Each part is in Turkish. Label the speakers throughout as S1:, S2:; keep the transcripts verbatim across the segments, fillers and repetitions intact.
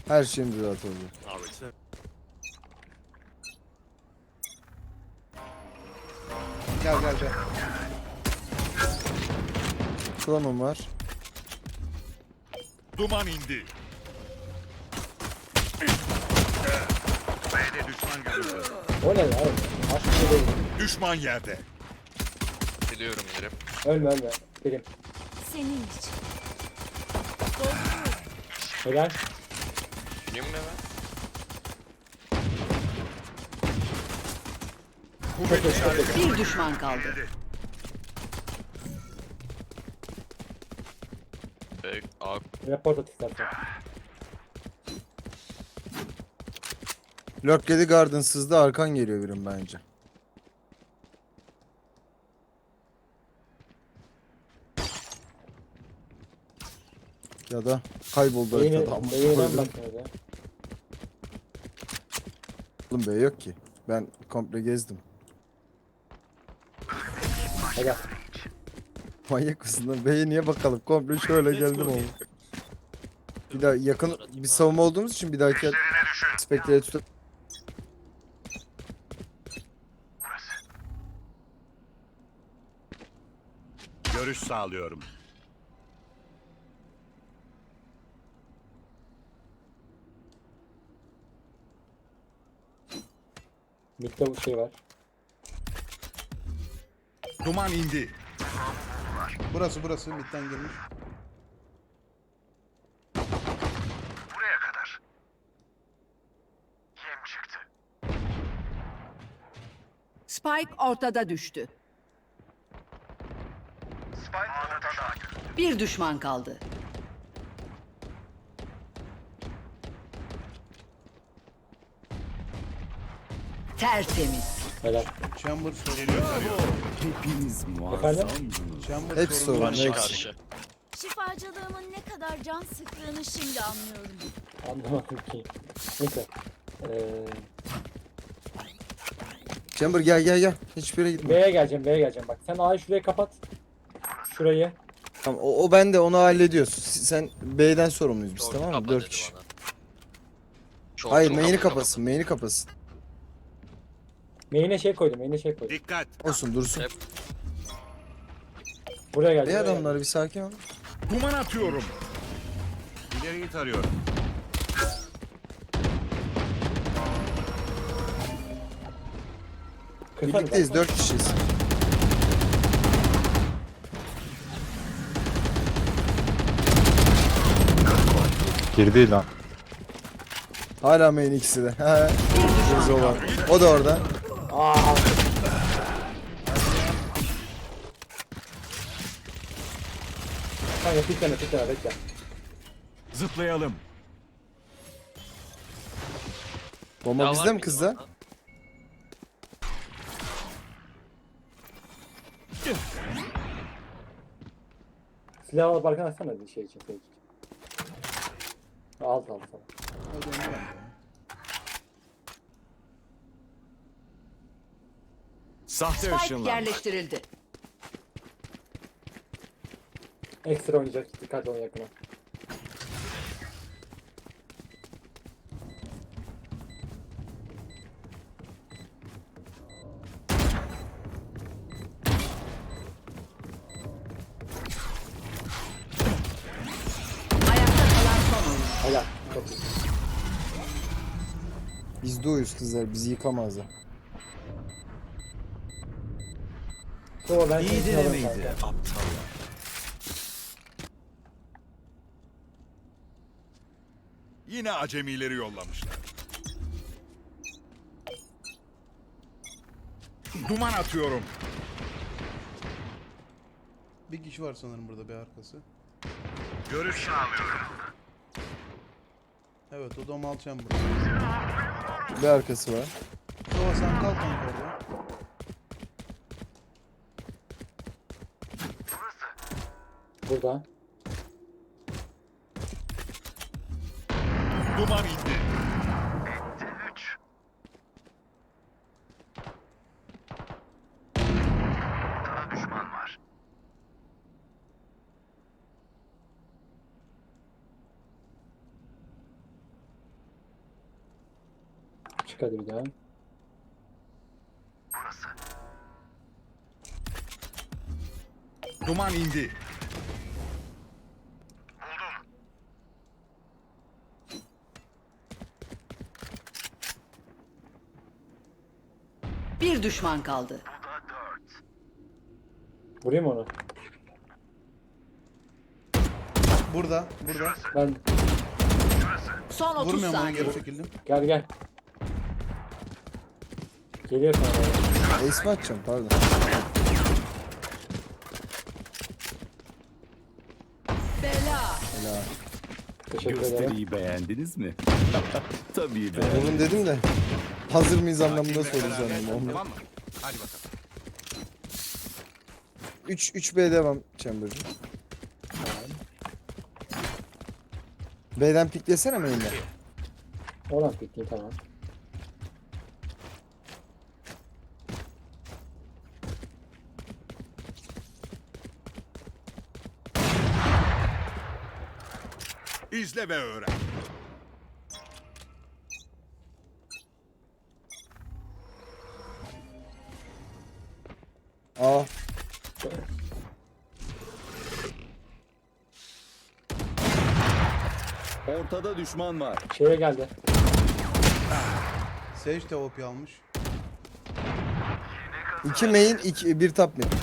S1: Her şeyim düzeltıldı.
S2: Gel gel gel.
S1: Klonum var.
S3: Duman indi. B'de düşman görüldü.
S4: O ne lan? Aşk bir şey değil.
S3: Düşman yerde.
S5: Biliyorum yerim.
S4: Ölme ölme. Birim.
S6: Senin için.
S4: Helal.
S5: Biliyorum ne ben?
S3: Kuvvet işareti.
S7: Bir düşman kaldı.
S5: Ve A
S4: Report at istersen.
S1: Lurk yedi, Garden sızdı, arkan geliyor birim bence. Ya da kayboldu
S4: Beyni,
S1: haritada ama.
S4: beyninden bakmıyor ya.
S1: Oğlum B yok ki. Ben komple gezdim.
S4: Helal.
S1: Manyak mısın lan? B'ye niye bakalım? Komple şöyle geldim oğlum. Bir daha yakın bir savunma olduğumuz için bir dahaki Spectre'ye tutup
S3: Görüş sağlıyorum.
S4: Mid'de bu şey var.
S3: Duman indi.
S2: Burası burası midden girmiş.
S7: Spike ortada düştü. Bir düşman kaldı. Tertemiz.
S4: Helal.
S2: Chamber sorun.
S4: Efendim?
S2: Chamber
S1: hep
S2: sorun.
S1: sorun.
S5: karşı
S1: hepsi.
S5: karşı.
S6: Şifacılığımın ne kadar can sıktığını şimdi anlıyorum.
S4: Anlamadım ki. Neyse. Ee,
S1: Chamber gel gel gel. Hiçbir yere gitme.
S4: B'ye geleceğim, B'ye geleceğim. Bak sen A'yı şuraya kapat. Şurayı.
S1: Tamam, o, o bende, onu hallediyoruz. Sen B'den sorumluyuz biz,
S5: Short
S1: tamam mı?
S5: kapa
S1: Dört
S5: dedi
S1: kişi.
S5: bana. Short,
S1: Hayır,
S5: short
S1: main'i
S5: kapa,
S1: kapasın, main'i kapasın.
S4: Main'e şey koydum, main'e şey koydum.
S3: Dikkat.
S1: Olsun, dursun.
S5: Hep-
S4: Buraya
S1: Bey
S4: geleceğim. buraya
S1: adamlar bir sakin ol.
S3: Duman atıyorum. İleriyi tarıyorum.
S4: geleceğim. Kısa
S1: Birlikteyiz,
S4: bir bak.
S1: dört kişiyiz.
S8: Girdi lan.
S1: Hala main ikisi de. He. Gözü olan. O da orada.
S4: Aa. Kanka pikleme pikleme bekle.
S3: Zıplayalım.
S1: Bomba
S5: Daha var
S1: bizde mi
S5: mıydı
S1: kızda?
S5: bana?
S4: Silah alıp arkana atsana bir şey için. Şey için. Alt alt sana.
S2: Hadi onu ver.
S3: Sahte
S7: Spike
S3: ışınlanma.
S7: yerleştirildi.
S4: Ekstra oynayacak. Dikkat olun yakına.
S7: Ayakta kalan son oyun.
S4: Helal. Çok iyi.
S1: Biz de uyuz kızlar, bizi yıkamazlar.
S4: Sonra ben seni alırım kanka.
S3: aptallar. Yine acemileri yollamışlar. Duman atıyorum.
S2: Bir kişi var sanırım burada bir arkası.
S3: Görüş sağlıyorum.
S2: Evet o da mal chamber.
S1: Bir arkası var.
S2: Sova sen kal kanka orada.
S4: Burada.
S3: Duman indi.
S4: Çık hadi bir daha.
S3: Duman indi.
S7: Bir düşman kaldı.
S4: Vurayım onu.
S2: Burada, burada.
S4: Ben
S7: Son otuz
S2: Vurmuyorum onu,
S7: saniye.
S2: geri çekildim.
S4: gel gel. Geliyor sana.
S1: Ace mi atacağım pardon.
S7: Bela.
S1: Helal.
S4: Teşekkür ederim.
S9: Gösteriyi beğendiniz mi? Tabii beğendim.
S1: Oğlum dedim de hazır mıyız anlamında
S3: Sakinle
S1: soru
S3: beraber.
S1: sandım.
S3: Tamam mı? Hadi bakalım.
S1: üç üç B devam Chamber'cığım. B'den piklesene main'den.
S4: Oradan pikniği tamam.
S3: İzle ve öğren.
S1: Aa
S9: Ortada düşman var.
S4: Şeye geldi.
S2: Sage de O P almış.
S1: iki main iki bir top main.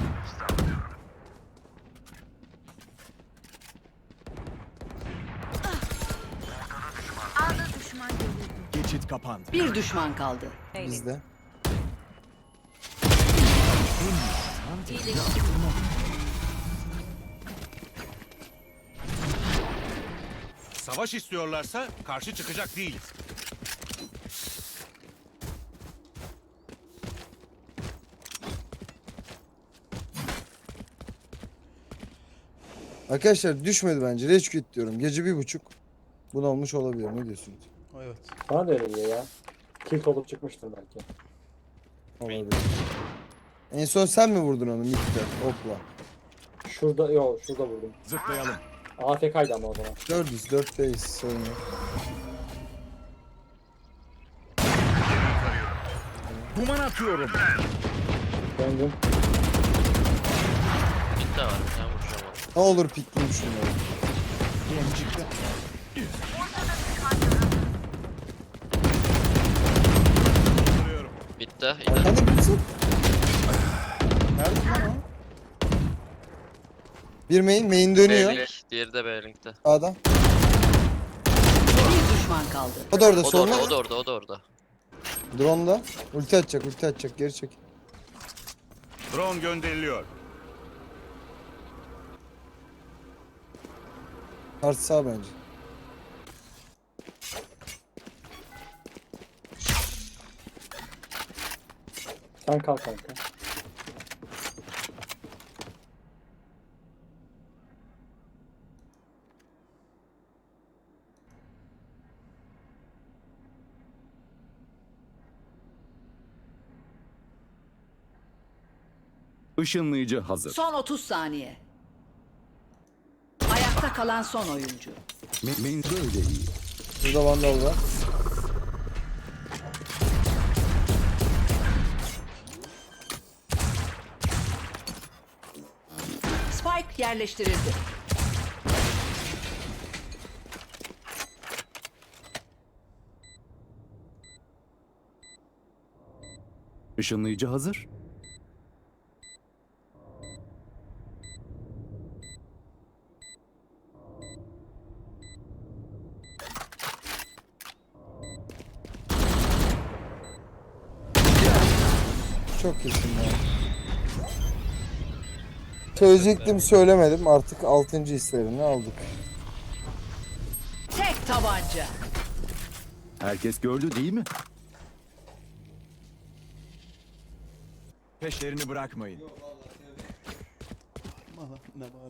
S6: A'da düşman görüldü.
S3: Geçit kapandı.
S7: Bir düşman kaldı.
S1: Bizde.
S3: Savaş istiyorlarsa karşı çıkacak değiliz.
S1: Arkadaşlar düşmedi bence. Rage quit diyorum. Gece bir buçuk. Bunu olmuş olabilir. Ne diyorsunuz?
S2: Evet.
S4: Bana da öyle geliyor ya. Kilt olup çıkmıştır belki.
S1: Olabilir. En son sen mi vurdun onu midde? Hopla.
S4: Şurada yok şurada vurdum.
S3: Zıplayalım.
S4: A F K'ydı ama o zaman.
S1: dördüz dörtteyiz. Sorun yok.
S3: Duman atıyorum.
S4: Döndüm.
S5: Bitti var. Ben vuracağım onu.
S1: Ne olur pikleyeyim şunları.
S5: Bitti. İyi.
S1: Hadi bitsin.
S2: Nerede lan o?
S1: Bir main. Main dönüyor.
S5: B-Link. Diğeri de B-Link'te.
S1: Sağda.
S7: Bir düşman kaldı.
S1: O da orada.
S5: O da
S1: Soluna.
S5: orada, o da orada, o da orada.
S1: Drone'da. Ulti atacak. Ulti atacak. Geri çek.
S3: Drone gönderiliyor.
S1: Artı sağ bence.
S4: Sen kal kanka.
S9: Işınlayıcı hazır.
S7: Son otuz saniye. Ayakta kalan son oyuncu.
S9: Me- men böyle iyi.
S1: Burada vandal var.
S7: Spike yerleştirildi.
S9: Işınlayıcı hazır.
S1: Çok iyisin ya. Söyleyecektim söylemedim. Artık altıncı hislerini aldık.
S7: Tek tabanca.
S9: Herkes gördü değil mi?
S3: Peşlerini bırakmayın.
S2: Valla ne bari.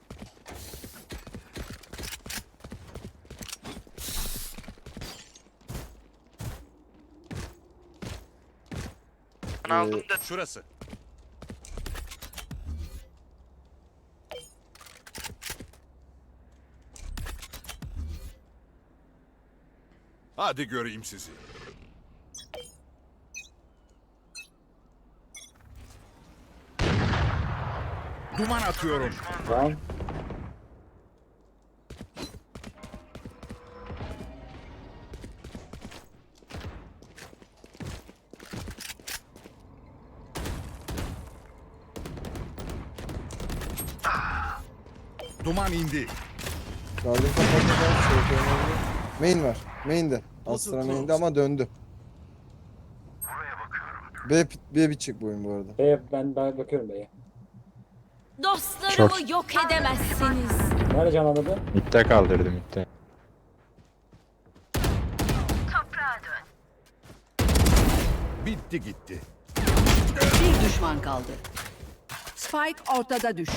S5: Ben aldım da
S3: Şurası. Hadi göreyim sizi. Duman atıyorum.
S4: Lan.
S3: Duman indi.
S1: Garden kapatmadan şey önemli. Main var. Main'de. Astra main'de ama döndü. B, B bitecek bu oyun bu arada.
S4: B'ye ben, ben bakıyorum B'ye.
S6: Dostlarımı
S8: Short.
S6: yok edemezsiniz.
S4: Nerede canlandı?
S8: Mid'de kaldırdı mid'de.
S3: Bitti gitti.
S7: Bir düşman kaldı. Spike ortada düştü.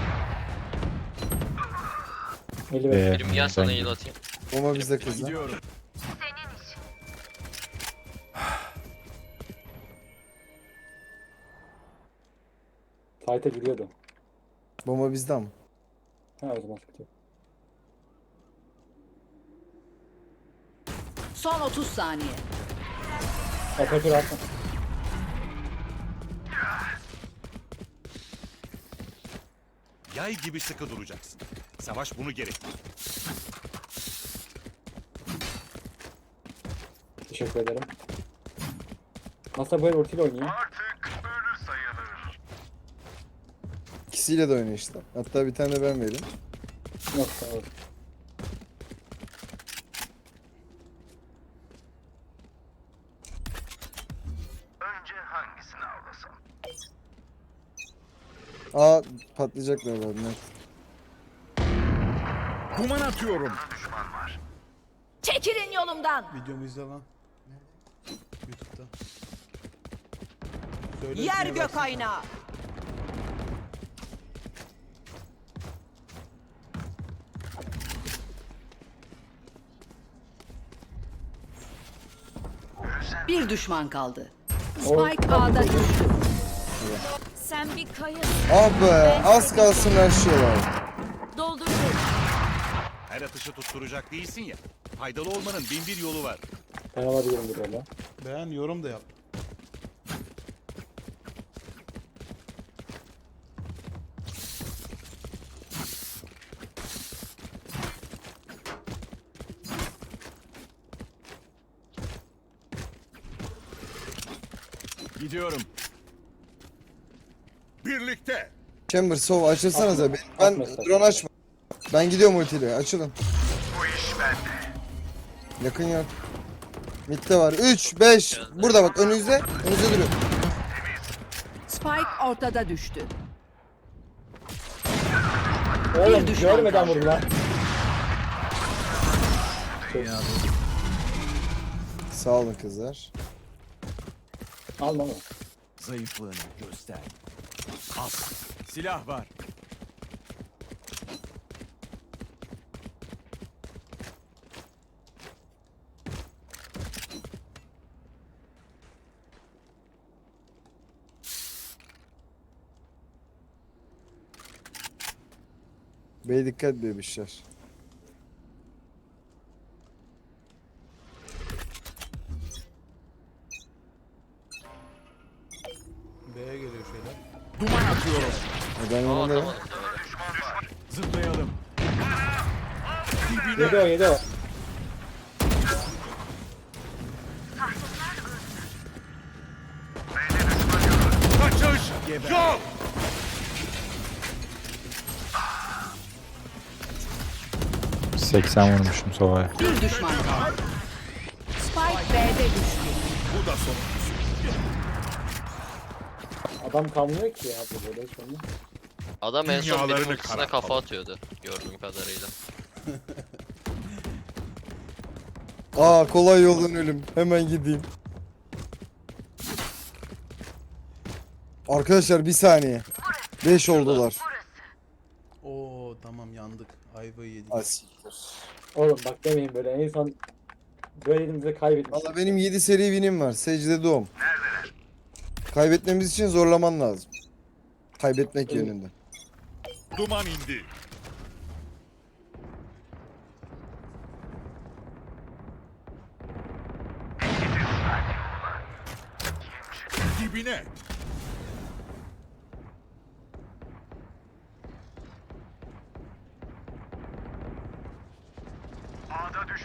S4: elli beş.
S8: Ee,
S5: Birim gel sana
S8: ben-
S5: heal atayım.
S1: Ama bizde kızdı.
S3: Gidiyorum.
S4: Fight'a giriyordu.
S1: Bomba bizde ama.
S4: Ha o zaman sıkıntı yok.
S7: Son otuz saniye.
S4: Operatör atma.
S3: Yay gibi sıkı duracaksın. Savaş bunu gerektirir.
S4: Teşekkür ederim. Nasıl böyle ultiyle oynuyor?
S1: İkisiyle de oynuyor işte. Hatta bir tane de ben vereyim.
S4: Yok sağ ol.
S1: Aa patlayacaklar var net.
S3: Duman atıyorum.
S6: Çekilin yolumdan.
S2: Videomu izle lan. YouTube'da. Söyle
S7: Yer
S2: ismini
S7: gök
S2: versene.
S7: aynağı. Bir düşman kaldı. Spike A'da düştü.
S6: Sen bir kaya.
S1: Ah be az kalsın her şey var.
S6: Dolduruyorum.
S3: Her atışı tutturacak değilsin ya. Faydalı olmanın bin bir yolu var.
S4: Ben alabilirim bir böyle.
S2: Beğen, yorum da yap.
S3: Gidiyorum. Birlikte.
S1: Chamber sov açılsanıza.
S4: Atma,
S1: Ben, ben
S4: atma sen.
S1: drone açma. Ben gidiyorum ultiyle. Açılın. Bu iş bende. Yakın yok. Mid'de var. üç, beş. Burada bak önünüzde. Önünüzde duruyor.
S7: Spike ortada düştü.
S4: Oğlum
S7: düşman
S4: görmeden
S7: kaldı.
S4: vurdu lan.
S1: Sağ olun kızlar.
S4: Alma ama.
S3: Zayıflığını göster. As. Silah var.
S1: Bey dikkat bebişler.
S2: B'ye geliyor şeyler.
S3: Duman atıyorum.
S1: Ben
S5: Aa
S1: onları...
S5: atamadım.
S3: Zıplayalım.
S4: Yedi o yedi o.
S3: Kaçış. Yok.
S8: seksen vurmuşum sovaya.
S7: Bir düşman kaldı. Spike B'de düştü.
S3: Bu da son.
S4: Adam kalmıyor ki ya bu böyle hiç olmuyor.
S5: Adam en son
S3: Dünyalarını
S5: benim ultisine
S3: karartalım.
S5: kafa atıyordu. Gördüğüm kadarıyla.
S1: Aa kolay yoldan ölüm. Hemen gideyim. Arkadaşlar bir saniye. beş oldular.
S2: Oo tamam yandık. Ayvayı yedik.
S1: Asiktir.
S4: Oğlum bak demeyin böyle en son böyle elimizde kaybetmiş.
S1: Valla benim yedi seri winim var. Secde doğum. Kaybetmemiz için zorlaman lazım. Kaybetmek
S4: Evet.
S1: yönünde.
S3: Duman indi. Dibine.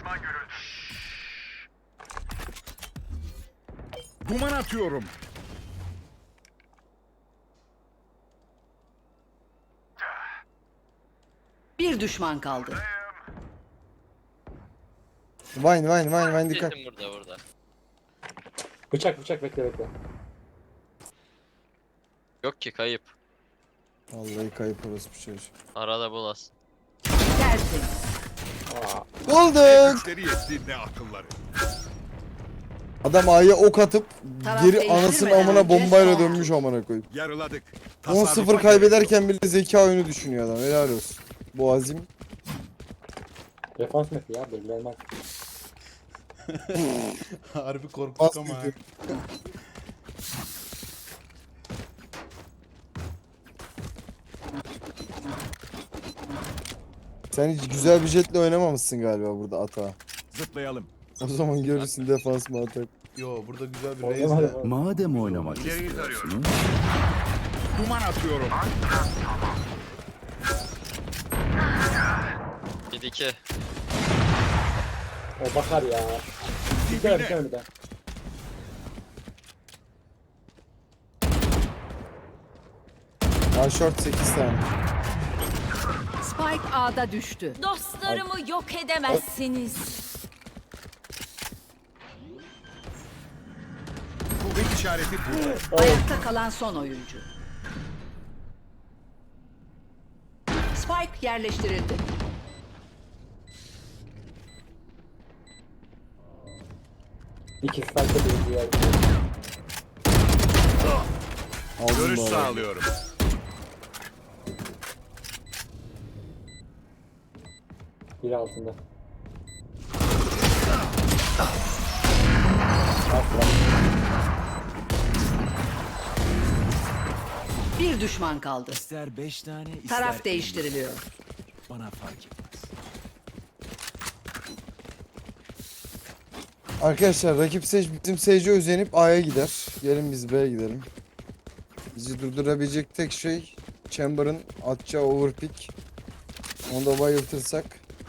S3: Duman atıyorum.
S7: Bir düşman kaldı.
S1: Vine vine vine vine dikkat.
S5: Kesin burada burada.
S4: Bıçak bıçak bekle bekle.
S5: Yok ki kayıp.
S1: Vallahi kayıp orası bir şey.
S5: Arada bulas.
S7: Tertemiz.
S1: Bulduk.
S3: Güçleri yetti ne akılları.
S1: Adam A'ya ok atıp
S7: Taraf
S1: geri
S7: değiştirmeden
S1: anasının amına
S7: önce
S1: bombayla
S7: son.
S1: dönmüş amına koyup.
S3: Yarıladık.
S1: on sıfır kaybederken bile zeka oyunu düşünüyor adam. Helal olsun. Bu azim.
S4: Defans map'i ya belli olmaz.
S2: Harbi korktuk
S1: Bas
S2: ama. ha.
S1: dedi. Sen hiç güzel bir jetle oynamamışsın galiba burada ata.
S3: Zıplayalım.
S1: O zaman görürsün defans mı atak.
S2: Yo burada güzel bir
S4: Oynamadım
S2: raise de.
S4: abi.
S9: Madem oynamak
S3: İleriyi
S9: istiyorsunuz,
S3: Duman atıyorum.
S5: Bir iki.
S4: O bakar ya. Bir daha bir tane bir daha.
S1: Ha short sekiz tane.
S7: Spike A'da düştü.
S6: Dostlarımı yok edemezsiniz.
S3: Kuvvet işareti burada.
S7: Ayakta kalan son oyuncu. Spike yerleştirildi.
S4: İki spike'da bir diğer.
S1: Aldım
S3: Görüş
S1: bu arada.
S3: sağlıyorum.
S4: Biri altında.
S7: Bir düşman kaldı.
S9: ister beş tane ister
S7: Taraf değiştiriliyor.
S9: bana fark etmez.
S1: Arkadaşlar rakip Sage bizim Sage'e özenip A'ya gider. Gelin biz B'ye gidelim. Bizi durdurabilecek tek şey Chamber'ın atacağı overpick. Onu da bayıltırsak.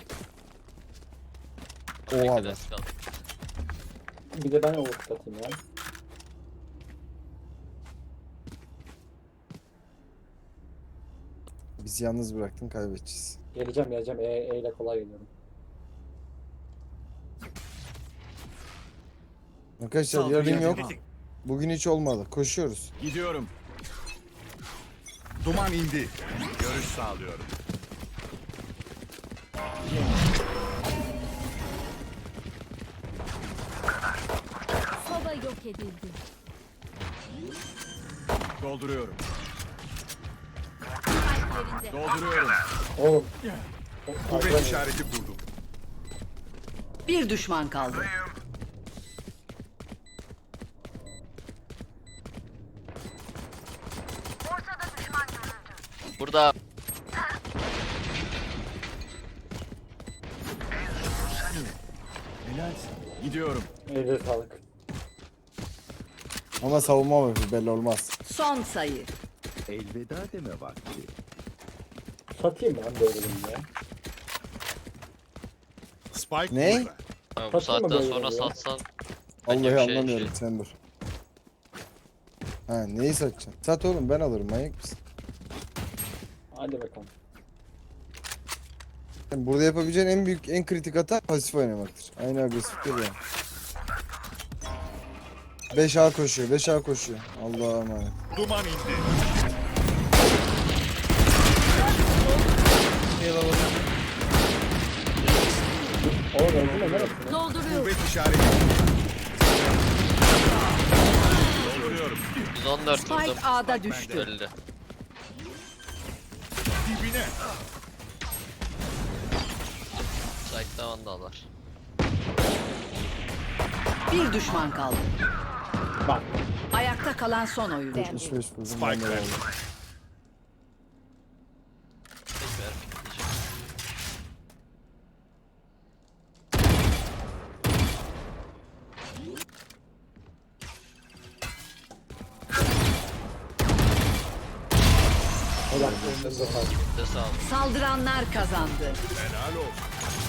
S1: Oha be.
S5: Arkadaş kaldı.
S4: Bir de ben overcut atayım ya.
S1: Bizi yalnız bıraktın, kaybedeceğiz.
S4: Geleceğim geleceğim. E, e ile kolay geliyorum.
S1: Arkadaşlar yarın yok. Bugün hiç olmadı. Koşuyoruz.
S3: Gidiyorum. Duman indi. Görüş sağlıyorum.
S6: Soba yok edildi.
S3: Dolduruyorum.
S6: Kalplerinde.
S3: Dolduruyorum.
S4: Oğlum.
S3: Kuvvet işareti kurdum.
S7: Bir düşman kaldı.
S5: Burada
S3: Helalsin. Gidiyorum.
S4: Elinize sağlık.
S1: Ama savunma mı belli olmaz.
S7: Son sayı.
S9: Elveda deme vakti.
S4: Satayım ben böyle ya.
S3: Spike
S1: Ne?
S3: burada.
S5: ha, bu
S4: Satın mı
S5: saatten
S4: böyle
S5: sonra
S4: ya?
S5: satsan
S1: Vallahi
S5: bir şey-
S1: anlamıyorum
S5: şey.
S1: sen dur. Ha neyi satacaksın? Sat oğlum, ben alırım, manyak mısın?
S4: Hadi bakalım.
S1: Yani burada yapabileceğin en büyük, en kritik hata pasif oynamaktır. Aynı agresif değil yani. beş A koşuyor, beş A koşuyor. Allah'a emanet.
S3: Duman indi.
S4: Oğlum öldü mü? Neresi?
S6: Dolduruyorum.
S3: Kuvvet işareti. Dolduruyorum.
S5: yüz on dört vurdum.
S7: Spike A'da düştü.
S5: Öldü.
S3: Dibine.
S5: Site'da vandallar.
S7: Bir düşman kaldı.
S4: Bak.
S7: Ayakta kalan son oyuncu.
S1: yetmiş beş vurdum.
S3: Spike
S1: ben de
S3: ver.
S1: aldım.
S5: Tekrar pikleyeceğim.
S4: Helal. Elinize sağlık.
S5: De sağ ol.
S7: Saldıranlar kazandı.
S3: Helal olsun.